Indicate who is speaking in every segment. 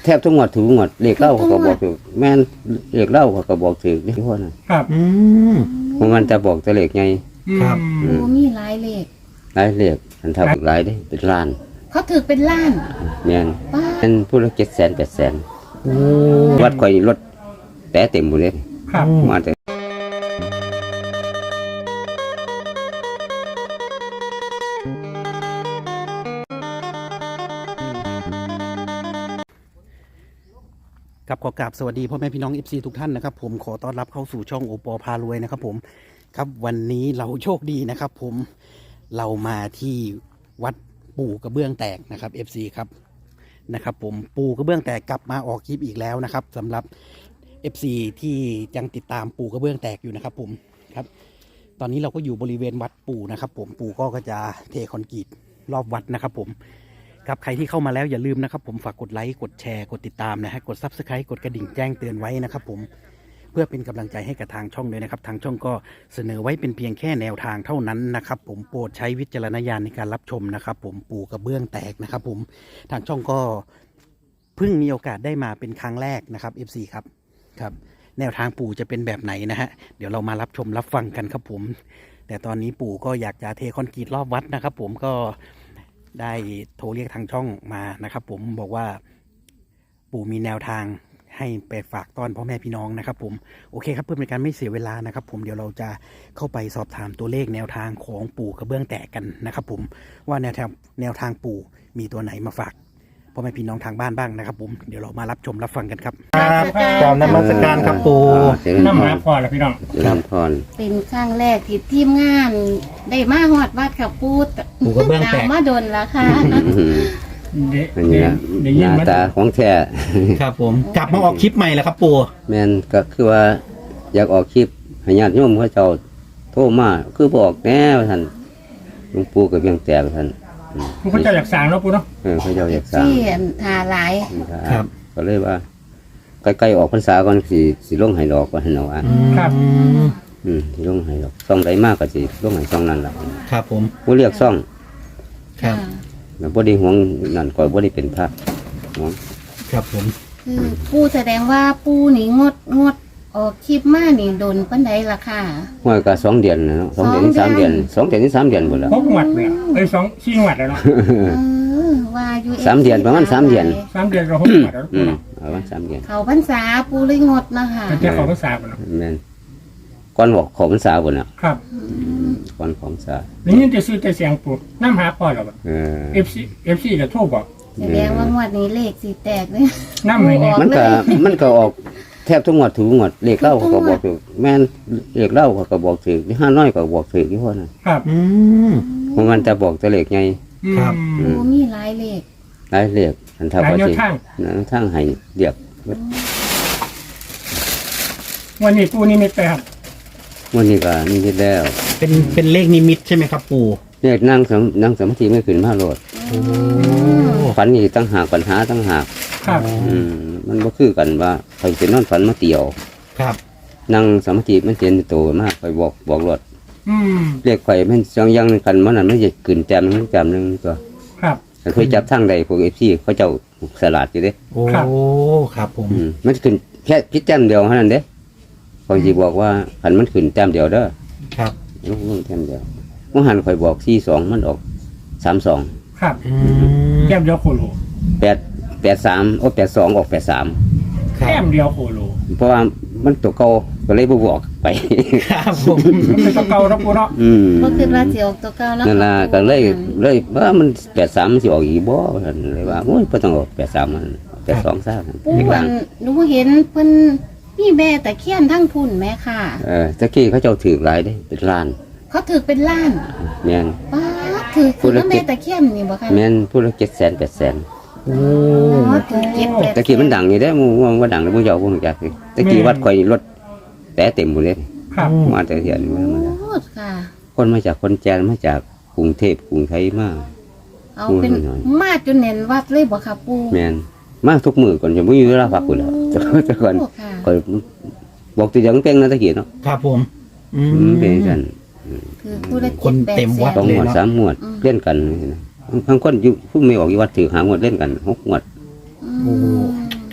Speaker 1: แทบทุกงวดถูกงวดเลขเล่าเขาก็บอกถูกแม่นเลขเล่าเขาก็บอกถูกนี่พวกนั้น
Speaker 2: ครับ
Speaker 1: มันจะบอกแต่เลขไง
Speaker 2: ครับ
Speaker 3: โอ้มีหลายเลข
Speaker 1: หลายเลขอันเท่าหลายได้เป็นล้าน
Speaker 3: เขาถือเป็นล้าน
Speaker 1: แม่น
Speaker 3: ป้า
Speaker 1: เป็นผู้ละ700,000 800,000วัดข่อยรถแต่เต็มหมดเลย
Speaker 2: ครับ
Speaker 1: มาแต่
Speaker 4: ครับขอกราบสวัสดีพ่อแม่พี่น้อง FC ทุกท่านนะครับผมขอต้อนรับเข้าสู่ช่องโอปอพารวยนะครับผมครับวันนี้เราโชคดีนะครับผมเรามาที่วัดปู่กระเบื้องแตกนะครับ FC ครับนะครับผมปู่กระเบื้องแตกกลับมาออกคลิปอีกแล้วนะครับสำหรับ FC ที่ยังติดตามปู่กระเบื้องแตกอยู่นะครับผมครับตอนนี้เราก็อยู่บริเวณวัดปู่นะครับผมปู่ก็จะเทคอนกรีตรอบวัดนะครับผมครับใครที่เข้ามาแล้วอย่าลืมนะครับผมฝากกดไลค์กดแชร์กดติดตามนะฮะกด Subscribe กดกระดิ่งแจ้งเตือนไว้นะครับผมเพื่อเป็นกำลังใจให้กับทางช่องเลยนะครับทางช่องก็เสนอไว้เป็นเพียงแค่แนวทางเท่านั้นนะครับผมโปรดใช้วิจารณญาณในการรับชมนะครับผมปู่กระเบื้องแตกนะครับผมทางช่องก็เพิ่งมีโอกาสได้มาเป็นครั้งแรกนะครับ FC ครับครับแนวทางปู่จะเป็นแบบไหนนะฮะเดี๋ยวเรามารับชมรับฟังกันครับผมแต่ตอนนี้ปู่ก็อยากจะเทคอนกรีตรอบวัดนะครับผมก็ได้โทรเรียกทางช่องมานะครับผมบอกว่าปู่มีแนวทางให้ไปฝากต้อนพ่อแม่พี่น้องนะครับผมโอเคครับเพื่อเป็นการไม่เสียเวลานะครับผมเดี๋ยวเราจะเข้าไปสอบถามตัวเลขแนวทางของปู่กระเบื้องแตกกันนะครับผมว่าแนวทางปู่มีตัวไหนมาฝากพ่อแม่พี่น้องทางบ้านบ้างนะครับผมเดี๋ยวเรามารับชมรับฟังกันครับครับกราบนมัสการครับปู่
Speaker 2: น้ำหาพอแล้วพี่น้อง
Speaker 1: ลำพร
Speaker 3: เป็นครั้งแรกที่ทีมงานได้มาฮอดวัดกับปูด
Speaker 4: ปู่กระเบื้องแตก
Speaker 3: มาดนแล้วค่ะ
Speaker 1: อันนี้นะ
Speaker 2: ได้
Speaker 1: ห
Speaker 2: ยิน
Speaker 1: น้า
Speaker 2: มา
Speaker 1: ตาของแท้
Speaker 4: ครับผมกลับมาออกคลิปใหม่แล้วครับปู่
Speaker 1: แม่นก็คือว่าอยากออกคลิปให้ญาติโยมเขาเจ้าโทรมาคือบอกแน่ว่าท่านหลวงปู่ก็เบี้ยงแตกท่าน
Speaker 2: ผู้เขาเจ้าอยากสั่งแล้วปูเนาะ
Speaker 1: เขาเจ้าอยากสร้าง
Speaker 3: ที่ทาหลาย
Speaker 4: ครับ
Speaker 1: ก็เลยว่าใกล้ๆออกพรรษาก่อนสิลงให้ดอกว่าหั่นเอาอ่ะ
Speaker 2: ครับ
Speaker 1: สิลงให้ดอกซ่องใดมากก็สิลงให้ซ่องนั้นล่ะ
Speaker 4: ครับผม
Speaker 1: บ่เรียกซ่อง
Speaker 4: ครับ
Speaker 1: แล้วบ่ได้ห่วงนั่นก็บ่ได้เป็นพระห่วง
Speaker 4: ครับผม
Speaker 3: คือปูแสดงว่าปูนี่งดออกคลิปมานี่โดนปันใดล่ะค่ะ
Speaker 1: ห้วยก็2เดือนนะเนาะ2เดือนถึง3เดือน2เดือนถึง3เดือนพุ่นล่ะ
Speaker 2: พกหวัดเลย4หวัดแล้วเนาะ
Speaker 3: ว่าอยู่
Speaker 1: 3เดือนประมาณ3เดือน
Speaker 2: 3 เดือนเราพกหวัดแล้วปูเนาะ
Speaker 1: ประมาณ3เดือน
Speaker 3: เขาพรรษาปูเลยงดนะคะ
Speaker 2: แต่จะเขาภาษาปูเนาะ
Speaker 1: แม่นก่อนบอกของพรรษาพุ่นน่ะ
Speaker 2: ครับ
Speaker 1: ก่อนของพรรษา
Speaker 2: นี่ยินแต่ซื้อแต่เสียงปูน้ำหาพอแล้ว FC ก็โทรบอก
Speaker 3: แสดงว่างวดนี้เลขสิแตกเลย
Speaker 2: น้ำเลยเนี่ย
Speaker 1: มันก็ออกแทบทุกงวดถูกงวดเลขเล่าเขาก็บอกถูกแม่นเลขเล่าเขาก็บอกถูกห้าน้อยก็บอกถูกที่พวกนั้น
Speaker 2: ครับ
Speaker 1: มันจะบอกแต่เลขไง
Speaker 4: ครับ
Speaker 3: โอ้มีหลายเลข
Speaker 1: หลายเลขอันเท่า
Speaker 2: หลาย
Speaker 1: กับ
Speaker 2: แนว
Speaker 1: สิ
Speaker 2: ทาง
Speaker 1: ทั้งให้เรียก
Speaker 2: วันนี้ปูนี่ไม่ไปครับ
Speaker 1: วันนี้ก็นี่ที่แล้ว
Speaker 4: เป็นเลขนิมิตใช่ไหมครับปู่
Speaker 1: เลขนั่งสมาธิไม่ขึ้นมาโลดฝันนี่ตั้งหากปัญหาตั้งหาก
Speaker 2: ครับ
Speaker 1: มันบ่คือกันว่าใครจะนอนฝันมาเตี่ยว
Speaker 4: ครับ
Speaker 1: นั่งสมาธิมันเสียนโตมากไปบอกรถ
Speaker 2: อืม
Speaker 1: เรียกไข่มันยังกันมันนั้นไม่จะขึ้นแต้มนึงแต้มนึงตัว
Speaker 2: ครับ
Speaker 1: แต่เคยจับทั้งใดพวกFCเขาเจ้าสลัดอยู่เด้
Speaker 4: โอ้ครับผม
Speaker 1: มันขึ้นแค่พิจแต้มเดียวเท่านั้นเด้เขาสิบอกว่าขันมันขึ้นแต้มเดียวเด้อ
Speaker 4: ครับ
Speaker 1: ลงแต้มเดียวมื่อหันข่อยบอก42มันออก32
Speaker 2: ครับแก้มเดียวโคโล
Speaker 1: 83โอ้82ออก83
Speaker 4: ครั
Speaker 2: แก้
Speaker 4: บ
Speaker 2: มเดียวโคโล
Speaker 1: เพราะว่ามันตัวเก่าก็เลยบ่บอกไป
Speaker 4: ครับผม
Speaker 2: มันเป็นตัวเก่าแล้วปูเนาะ
Speaker 3: ก็คือว่าสิออกตัวเก่าแล้ว
Speaker 1: นั่นล่ะก็เลยว่ามัน83มันสิออกอีกบ่ว่าซั่นเลยว่าโอ้ยบ่ต้องออก83มัน82ซะ
Speaker 3: ปูอันหนูเห็นเพิ่นมีแม่ตะเคียนทั้งพุ่นแม่ค่ะ
Speaker 1: ตะกี้เขาเจ้าถือหลายเด้เป็นล้าน
Speaker 3: เขาถือเป็นล้าน
Speaker 1: แม่น
Speaker 3: ป้าดถือแม่ตะเคียนนี่บ่คะ
Speaker 1: แม่นผู้ละ700,000 800,000
Speaker 4: โอ้
Speaker 3: ถือเก็บ
Speaker 1: ตะกี้มันดังนี่ได้มูว่าดังแล้วมูเจ้าพวกนี้จักตะกี้วัดข่อยรถแต่เต็มหมดเลย
Speaker 2: ครับ
Speaker 1: มาแต่เหียนมา
Speaker 3: โอ้ค่ะ
Speaker 1: คนมาจากคนแจนมาจากกรุงเทพกรุงไทยมา
Speaker 3: เอาเป็นมาจนเน้นวัดเลยบ่ค่ะปู
Speaker 1: แม่นมาทุกมื้อก่อนจะบ่มีเวลาพักพุ่นแล้วแต่ก่อน
Speaker 3: โอ้ค่ะ
Speaker 1: ข่อยบอกตัวอย่างเป้งนะตะกี้เนาะ
Speaker 4: ครับผม
Speaker 1: เป็นกัน
Speaker 3: คือผู้ละ
Speaker 4: คนเต็มวัด
Speaker 1: 2 หมวด 3 หมวดเล่นกันบางคนอยู่ผู้ไม่ออกอยู่วัดถือหาหมวดเล่นกัน6 หมวด
Speaker 3: อืม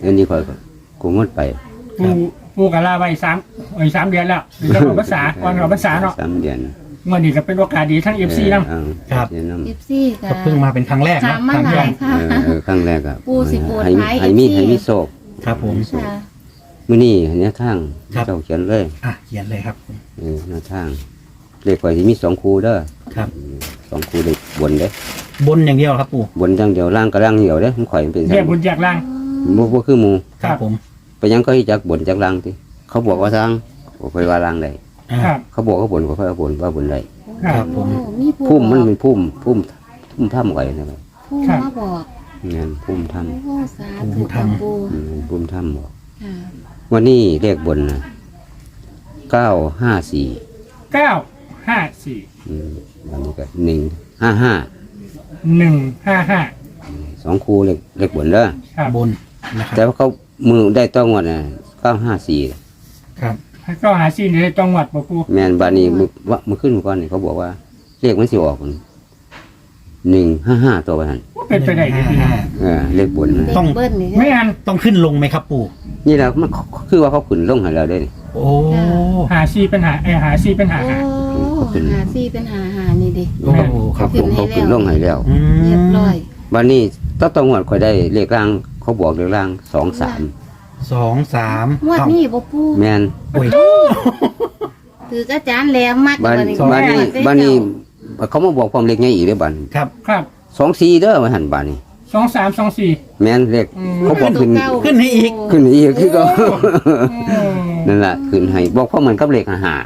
Speaker 1: อันนี้ข่อยก็กูงดไป
Speaker 2: ปูกับลาไว้3เดือนแล้วเดี๋ยวเราภาษาก่อนเราภาษาเนาะ
Speaker 1: 3 เดือน
Speaker 2: เมื่อนี้ก็เป็นโอกาสดีทั้ง FC นำ
Speaker 4: ครับ
Speaker 1: เดี๋ยว
Speaker 3: FC ก็
Speaker 4: ก็เพิ่งมาเป็นครั้งแรก
Speaker 3: ถา
Speaker 4: นะ
Speaker 3: มมา
Speaker 4: ครั้ง
Speaker 3: ห
Speaker 4: แร
Speaker 3: ลาก ยค่ะ
Speaker 1: ครั้งแรกครับ
Speaker 3: ปูสิปูดท้าย
Speaker 1: ให้มี
Speaker 3: FC
Speaker 1: ให้มีโศก
Speaker 4: ครับผม
Speaker 3: ค่ะ
Speaker 1: มื้อนี้เนี่ยทาง
Speaker 4: ครับ
Speaker 1: เจ้าเขียนเลย
Speaker 4: อ่ะเขียนเลยครับ
Speaker 1: แนวทางเลขข่อยสิมี2คู่เด้อ
Speaker 4: ครับ
Speaker 1: 2คู่เลขบนเด้
Speaker 4: บนอย่างเดียวครับปู่
Speaker 1: บนอย่างเดียวล่างก็ล่างเดียวเด้มันข่อยมันเป็น
Speaker 2: เรียกบุญแจกล่าง
Speaker 1: บ่คือหมู่
Speaker 4: ครับผม
Speaker 1: ไปยังก็ให้จักบนจักล่างติเขาบอกว่าทางบ่ค่อยว่าล่างได้
Speaker 4: อ่า
Speaker 2: ครับ
Speaker 1: เขาบอกว่าบนก็ค่อยว่าบนว่าบนได้
Speaker 4: ครับผม
Speaker 3: โอ้มีผู้
Speaker 1: พุ่มมันเป็นพุ่มถ้ำไว้นะครับ
Speaker 3: ผู้มาบอก
Speaker 1: งานพุ่มถ้
Speaker 3: โอ้สาธุค่ะปู
Speaker 1: ำพุ่มถ้ำบอก
Speaker 3: ค่ะ
Speaker 1: วันนี้เลขบนนะ954
Speaker 2: 954
Speaker 1: วันนี้ก็155
Speaker 2: 155
Speaker 1: 2คู่เลขบนเด้อ
Speaker 2: ครับ
Speaker 4: บนนะครับ
Speaker 1: แต่ว่าเขามือได้ต้องวันน่ะ954
Speaker 4: ครับ
Speaker 2: ก็หาซีนในจังหวัดบ่ปู
Speaker 1: แม่นบานี้มือขึ้นก่อนนี่เขาบอกว่าเลขมันสิออก155ตัวไปหั่น
Speaker 2: เป็นไปได้ดีพี่น้อง
Speaker 1: เลขบนนะ
Speaker 3: เด็กเบิ้ลนี่
Speaker 2: ไม่อัน
Speaker 4: ต้องขึ้นลงไหมครับปู่
Speaker 1: นี่แหละมันคือว่าเขาขึ้นลงให้เราได้นี่
Speaker 4: โอ้
Speaker 2: หาซีเป็นหาหาซีเป็นหา
Speaker 3: โอ้
Speaker 2: หา
Speaker 3: หาซี่เป็นหานี่ดิ
Speaker 4: โอ้ค
Speaker 1: เขา
Speaker 4: รับ
Speaker 1: ขึ้นลงให้แล้ว
Speaker 4: อืม
Speaker 3: เรียบร้อย
Speaker 1: วันนี้ต้องงวดค่อยได้เลขล่างเขาบอกเลขล่าง23
Speaker 4: 2 3
Speaker 3: งวดนี้บ่ปู
Speaker 1: แม่น
Speaker 4: โอ้ย
Speaker 3: ถืออาจารย์แหลมมาก
Speaker 1: บ้าน
Speaker 3: นี้
Speaker 1: บ้านนี้เขามาบอกความเลขใหญ่อีกเด้อบ้าน
Speaker 4: ครับ
Speaker 2: ครับ
Speaker 1: 24เด้อมาหันบ้านนี้
Speaker 2: 2324
Speaker 1: แม่นเลขเขาบอกขึ้น
Speaker 4: ขึ้นให้อีก
Speaker 1: ขึ้นอีกคือก็ นั่นแหละขึ้นให้บอกเพราะมันกับเลข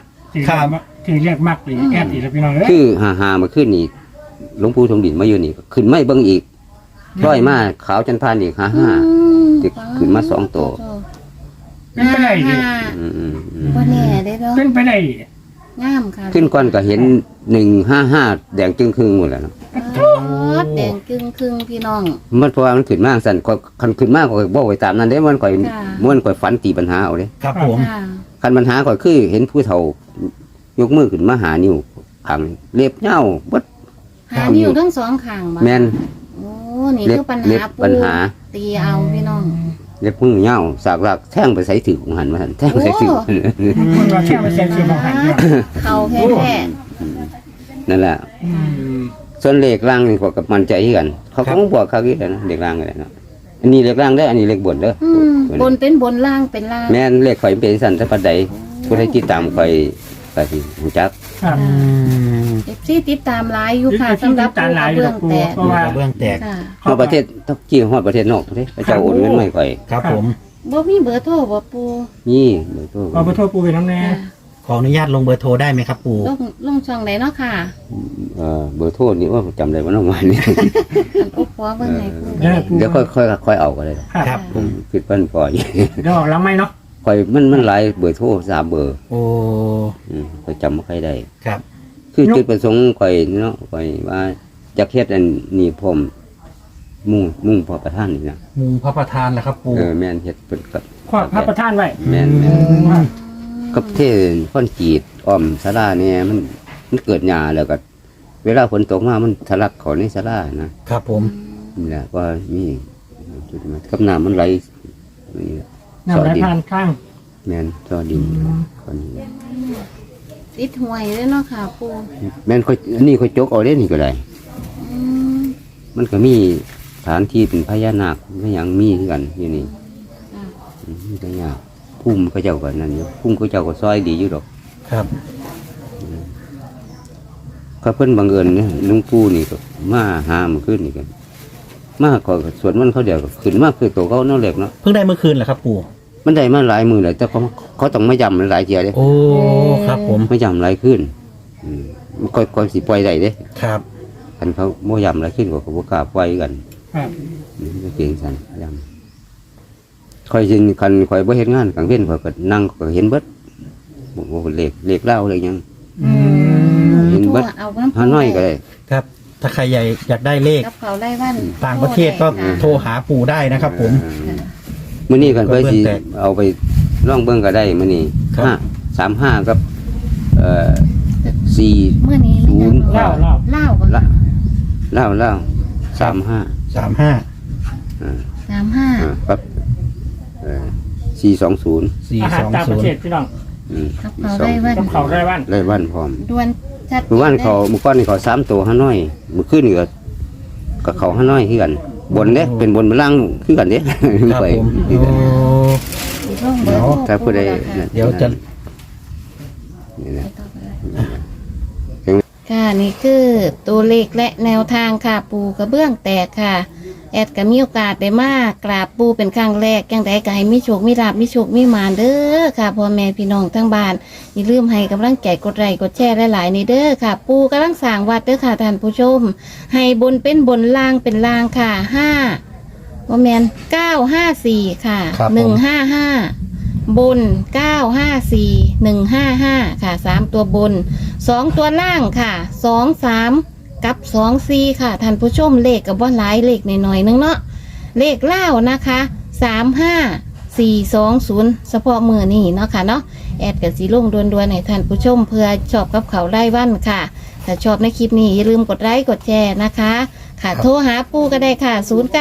Speaker 1: 55
Speaker 2: ถือเรียกมากเลยแอบอีกแล้วพี่น้องเอ้ย
Speaker 1: คือ55มาขึ้นนี่หลวงปู่ทรงดินมาอยู่นี่ขึ้นไม่เบิ่งอีกร้อยมาขาวจันทร์พานอีก55 ติดขึ้นมา2ตัว
Speaker 2: เป็นไปได้ดิ
Speaker 3: บ่แน่ได้เนาะ
Speaker 2: เป็นไปได้
Speaker 3: งามค่ะ
Speaker 1: ขึ้นก่อนก็เห็น155แดงจึงครึ่งหมดแล้วเนาะ
Speaker 3: โอ้แดงครึ่งพี่น้อง
Speaker 1: มันเพราะว่ามันขึ้นมากสั่นคันขึ้นมากก็บอกไว้ตามนั้นเด้มันก่อยมันก่อยฝันตีปัญหาเอาเด้
Speaker 4: ครับผม
Speaker 3: ค่ะ
Speaker 1: คันปัญหาก่อยคือเห็นผู้เฒ่ายกมือขึ้นมาหานิ้วขังเล็บเหย้าเบิด
Speaker 3: หานิ้วทั้งสองข้างบ่
Speaker 1: แม่น
Speaker 3: โอ้นี่
Speaker 1: เล็บ
Speaker 3: คือปัญ
Speaker 1: เล็
Speaker 3: หา
Speaker 1: บ
Speaker 3: ปู
Speaker 1: ปัญหา
Speaker 3: ตีเอาพี่น้อง
Speaker 1: เล็บมือเหย้าสากหลักแท่งไปใส่ถือของหันมาหันแท่งไปใส่ถือ
Speaker 2: คนว่าแค่มาเซ็นชื่อของหันเนี่ย
Speaker 3: เขาแท้
Speaker 1: นั่นแหละ
Speaker 2: อืม
Speaker 1: ส่วนเลขล่างนี่ก็กับมันใจที่กัน เขาก็บอกเขากี่นะเลขล่างอะไรเนาะอันนี้เลขล่างได้ออันนี้เลขบนเด้อ
Speaker 3: ๆบนเป็นบนล่างเป็นล่าง
Speaker 1: แม่นเลขข่อยเป็นสันแต่ปัดใดผู้ใดติดตามข่อยก็สิรู้จัก
Speaker 2: ครับ
Speaker 4: อืม
Speaker 3: เอฟซีติดตามหลายอยู่ค่ะสำหรับ
Speaker 2: ตาหลายอยู่
Speaker 3: เรื่
Speaker 2: กั
Speaker 3: อบ ง
Speaker 2: ปู
Speaker 3: แต่
Speaker 2: เพราะว่า
Speaker 4: เบื้องแตก
Speaker 3: ค่ะ
Speaker 1: ฮอดประเทศต้องจี้ฮอดประเทศนอกเด้พระเจ้าโอนเงินมาให้ข่อย
Speaker 4: ครับผม
Speaker 3: บ่มีเบอร์โทรบ่ปู
Speaker 1: นี่เบอร์โทร
Speaker 2: เอาไปโทษปูไปน้ำแน่
Speaker 3: ค่ะ
Speaker 4: ขออนุญาตลงเบอร์โทรได้ไหมครับปู่
Speaker 3: ลงช่องไหนเนาะค่ะ
Speaker 1: เบอร์โทรนี่ว่าจำได้ว่าน้องวันนี้
Speaker 3: อันอุปหัวเบิ่งให้ปู
Speaker 1: เดี๋ยวค่อยเอาก็ได้
Speaker 2: ครับ
Speaker 4: ครับ
Speaker 1: ผมคิดเพิ่นพออยู่
Speaker 2: เดี๋ยวออกแล้วไหมเนาะ
Speaker 1: ค่อยมันหลายเบอร์โทร3เบอร์
Speaker 4: โอ้
Speaker 1: ค่อยจำบ่ค่อยได้
Speaker 4: ครับ
Speaker 1: คือจุดประสงค์ข่อยเนาะข่อยว่าจะเฮ็ดอันนี้พร้อมมุ่งพอประธานนี่นะ
Speaker 4: มุงพระประธานแหละครับปู่
Speaker 1: แม่นเฮ็ดเป็นกับ
Speaker 2: ขวาพระประธานไว้
Speaker 1: แม่น
Speaker 2: อืม
Speaker 1: กับเทศค่อนจีดอ้อมศาลาเนี่ยมันเกิดหญ้าแล้วก็เวลาฝนตกมามันทะลักเข้าในศาลานะครับ
Speaker 4: ผม
Speaker 1: นี่แหละว่ามีจุดมากับน้ำมันไหลนี่แหละ
Speaker 2: นำไรผ่านข้าง
Speaker 1: แม่นซอดินคนนี้
Speaker 3: ติดหวยเลยเนาะค่ะปู
Speaker 1: แม่นค่อยอันนี้ค่อยจกเอาเล่นนี่ก็ได้
Speaker 3: อืม
Speaker 1: มันก็มีฐานที่เป็นพญานาคก็ยังมีคือกันอยู่นี่
Speaker 3: ค่ะ
Speaker 1: มีพญาพุ่มเขาเจ้าก็นั่นอยู่พุ่มเขาเจ้าก็ซอยดีอยู่ดอก
Speaker 4: ครับ
Speaker 1: เขาเพิ่นบังเอิญเนี่ยลุงปู่นี่ก็มาหามันขึ้นนี่กันมาก็สวดมันต์เขาเดียวก็ขึ้นมาคือตัวเขาเนาะเล็กเนาะ
Speaker 4: เพิ่งได้เมื่อคืนเหรอครับปู่
Speaker 1: มันได้มาหลายมือเลยแต่เขาต้องไม่ย้ำหลายเทียเด้
Speaker 4: โอ้ครับผม
Speaker 1: ไม่ย้ำหลายขึ้นมันค่อยสิปล่อยได้เด้
Speaker 4: ครับ
Speaker 1: คันเขาไม่ย้ำหลายขึ้นก็เขาบ่กล้าปล่อยกัน
Speaker 2: ครับ
Speaker 1: ก็เก่งสันย้ำค่อยสิคันค่อยบ่เฮ็ดงานกลางเว้นค่อยก็นั่งก็เห็นเบิดบ่เลขเล่าเลยยัง
Speaker 2: อืม
Speaker 1: เห็นเบิด
Speaker 3: เอาน้ำปู
Speaker 1: หาน้อยก็ได้
Speaker 4: ครับ ถ้าใครอยากได้เลข
Speaker 3: กับเขาไล่วัน
Speaker 4: ต่างประเทศก็โทรหาปู่ได้นะครับผม
Speaker 1: มื้อนี้กันเพื่อสิ
Speaker 4: ก็เบิ่งแตก
Speaker 1: เอาไปล่องเบิ่งก็ได้มื้อนี้
Speaker 4: ครับ
Speaker 1: 35กับ4
Speaker 3: เมื่อนี้ไม่ยัง
Speaker 2: เล่า
Speaker 3: เล่าบ่
Speaker 1: ละ
Speaker 3: ค่ะ
Speaker 1: เล่า35
Speaker 4: 35
Speaker 3: 35
Speaker 1: กับ 420
Speaker 2: อาหารต่างประเทศพี่น้อง
Speaker 3: กับเขาได้วัน
Speaker 2: กับเขาวไร่บ้าน
Speaker 1: ไล่วันพร้อม
Speaker 3: ดวนชัด
Speaker 1: เมื่อวานเขาเมื่อก่อนนี่เขา3ตัวห้าน้อยเมื่อคืนนี่ก็กับเขาห้าน้อยคือกันบนเด้เป็นบนเป็นล่างคือกันเด้
Speaker 4: ครับ
Speaker 1: ไป
Speaker 4: ผม
Speaker 1: คือกัน
Speaker 3: ร่องเบอร์โทร
Speaker 1: ถ้าผู้ใด
Speaker 4: เดี๋ยวจะ
Speaker 1: นี่นะ
Speaker 3: ค่ะนี่คือตัวเลขและแนวทางค่ะปูกระเบื้องแตกค่ะ แอดก็มีโอกาสได้มากราบปูเป็นครั้งแรกจังไดก็ให้มีโชคมีลาภมีโชคมีหมานเด้อค่ะพ่อแม่พี่น้องทั้งบ้านอย่าลืมให้กำลังใจกดไลค์กดแชร์หลายๆนี่เด้อค่ะ ปูกำลังสร้างวัดเด้อค่ะท่านผู้ชม ให้บนเป็นบนล่างเป็นล่างค่ะพ่อแม่น954ค่ะ155บน954 155ค่ะ3ตัวบน2ตัวล่างค่ะ23กับ24ค่ะท่านผู้ชมเลขกับว่าหลายเลขหน่อยๆนึงเนาะเลขเล่านะคะ35420เฉพาะมือนี่เนาะค่ะเนาะแอดกับสีลงดวนๆให้ท่านผู้ชมเพื่อชอบกับเขาไล่วันค่ะถ้าชอบในคลิปนี้อย่าลืมกดไลค์กดแชร์นะคะค่ะโทรหาปูก็ได้ค่ะ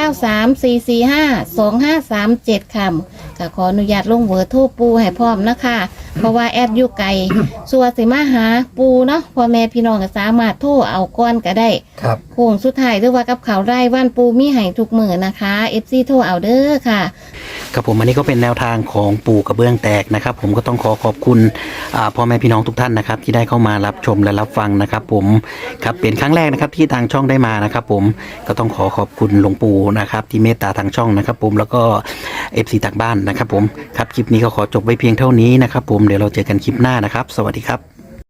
Speaker 3: 0934452537ค่ะก็ขออนุญาตลงเบอร์โทรปูให้พร้อมนะคะเพราะว่าแอดอยู่ไกลส่วนสิมาหาปูเนาะพ่อแม่พี่น้องก็สามารถโทรเอาก้อนก็ได้
Speaker 4: ครับ
Speaker 3: โค้งสุดท้ายหรือว่ากับเขาวไร่ว่านปูมีให้ทุกมือนะคะ FC โทรเอาเด้อค่ะ
Speaker 4: ครับผมอันนี้ก็เป็นแนวทางของปู่กระเบื้องแตกนะครับ ผมก็ต้องขอขอบคุณพ่อแม่พี่น้องทุกท่านนะครับ ที่ได้เข้ามารับชมและรับฟังนะครับ ผมครับเป็นครั้งแรกนะครับที่ทางช่องได้มานะครับ ผมก็ต้องขอขอบคุณหลวงปู่นะครับที่เมตตาทางช่องนะครับ ผมแล้วก็ FC ทางบ้านนะครับ ผมครับคลิปนี้ก็ขอจบไว้เพียงเท่านี้นะครับ ผมเดี๋ยวเราเจอกันคลิปหน้านะครับ สวัสดีครับ